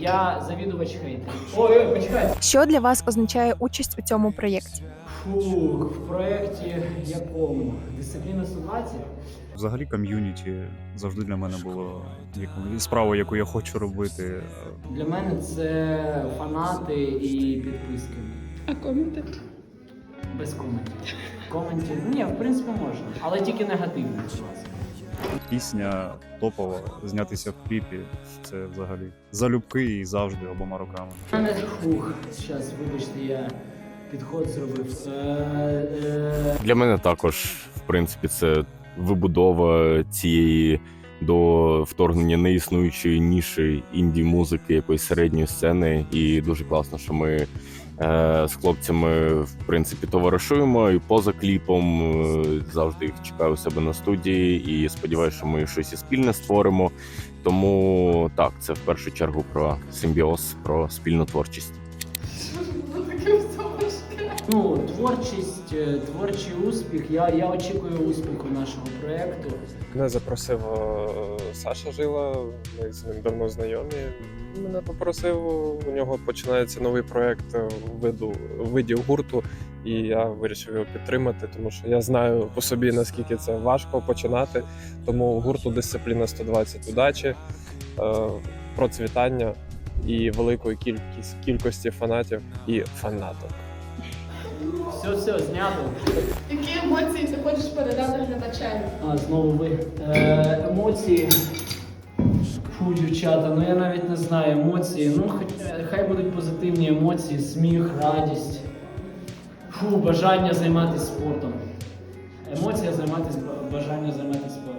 Я завідувач хейтерів. Ой, почекай. Що для вас означає участь у цьому проєкті? Фух, в проєкті якому? Дисципліна 120? Взагалі ком'юніті завжди для мене було справою, яку я хочу робити. Для мене це фанати і підписки. А коменти? Без коментів. Коментів? Ні, в принципі можна. Але тільки негативно, будь ласка. Пісня топова, знятися в кліпі. Це взагалі залюбки і завжди обома руками. У мене зараз, вибачте, я підход зробив. Для мене також, в принципі, це вибудова цієї до вторгнення неіснуючої ніші інді-музики, якоїсь середньої сцени. І дуже класно, що ми з хлопцями, в принципі, товаришуємо і поза кліпом. Завжди їх чекаю у себе на студії і сподіваюся, що ми щось і спільне створимо. Тому так, це в першу чергу про симбіоз, про спільну творчість. Ну, творчість, творчий успіх. Я очікую успіху нашого проєкту. Мене запросив Саша Жила, ми з ним давно знайомі. Мене попросив, у нього починається новий проєкт у виді гурту, і я вирішив його підтримати, тому що я знаю по собі, наскільки це важко починати. Тому гурту «Дисципліна 120» удачі, процвітання і великої кількості фанатів і фанаток. Все, знято. Які емоції ти хочеш передати глядачам? Знову ви. Емоції. Фу, дівчата, ну я навіть не знаю емоції. Ну, хай будуть позитивні емоції, сміх, радість. Фу, бажання займатися спортом. Емоція бажання займатися спортом.